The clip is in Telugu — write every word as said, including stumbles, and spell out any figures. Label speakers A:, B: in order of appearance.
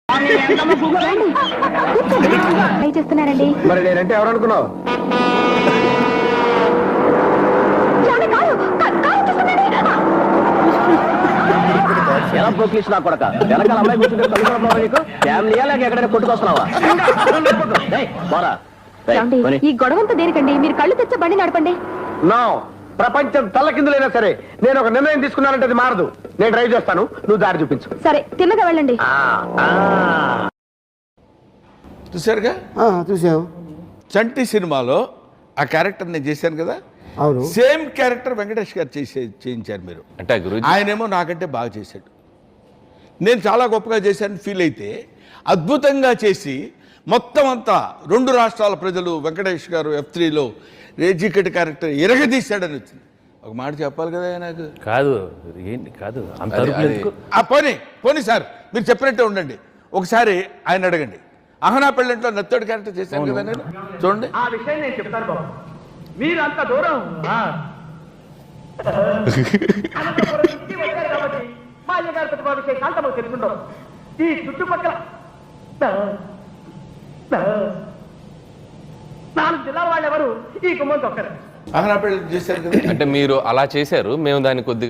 A: ట్రై చేస్తున్నారండి.
B: మరి నేనంటే ఎవరు అనుకున్నావు?
C: ఎలా పోక్లీస్ నా కొడక వెనకాల అమ్మాయి కూర్చుంటే నీకు ఫ్యామిలీయా లేక ఎక్కడైనా కొట్టుకొస్తున్నావా?
A: ఈ గొడవంతా దేనికండి? మీరు కళ్ళు తెచ్చే బండి నడపండి.
B: నో, ప్రపంచం తల్లకిందులైనా సరే నేను ఒక నిర్ణయం తీసుకున్నానంటే అది మారదు. నేను డ్రైవ్ చేస్తాను, నువ్వు దారి చూపించు.
A: సరే, తిన్నగా వెళ్ళండి.
D: చూసారుగా?
E: చూసావు.
D: చంటి సినిమాలో ఆ క్యారెక్టర్ నేను చేశాను కదా,
E: అవును.
D: సేమ్ క్యారెక్టర్ వెంకటేష్ గారు చేసే చేయించారు మీరు.
F: అంటే గురుజీ
D: ఆయనేమో నాకంటే బాగా చేశాడు. నేను చాలా గొప్పగా చేశాను ఫీల్ అయితే, అద్భుతంగా చేసి మొత్తం అంతా రెండు రాష్ట్రాల ప్రజలు వెంకటేష్ గారు ఎఫ్ త్రీలో రేజికెట్ క్యారెక్టర్ ఎరగదీశాడని వచ్చింది. ఒక మాట చెప్పాలి కదా నాకు.
F: కాదు ఏంటి కాదు అంత అరుపులు ఎందుకు?
D: ఆ పోనీ పోనీ సార్, మీరు చెప్పినట్టే ఉండండి. ఒకసారి ఆయన అడగండి. అహనా పెళ్ళంట్లో నత్తోడి క్యారెక్టర్ చేశాను కదా నేను. చూడండి,
B: ఆ విషయం నేను చెప్తాను బాబు. మీరు అంత దూరం తెలుసుకుంటాం. ఈ చుట్టుపక్కల నాలుగు జిల్లాల వాళ్ళు ఎవరు ఈ గుమ్మం తొక్కరు.
D: అహనా పెళ్ళి చేశారు కదా.
F: అంటే మీరు అలా చేశారు, మేము దాన్ని కొద్దిగా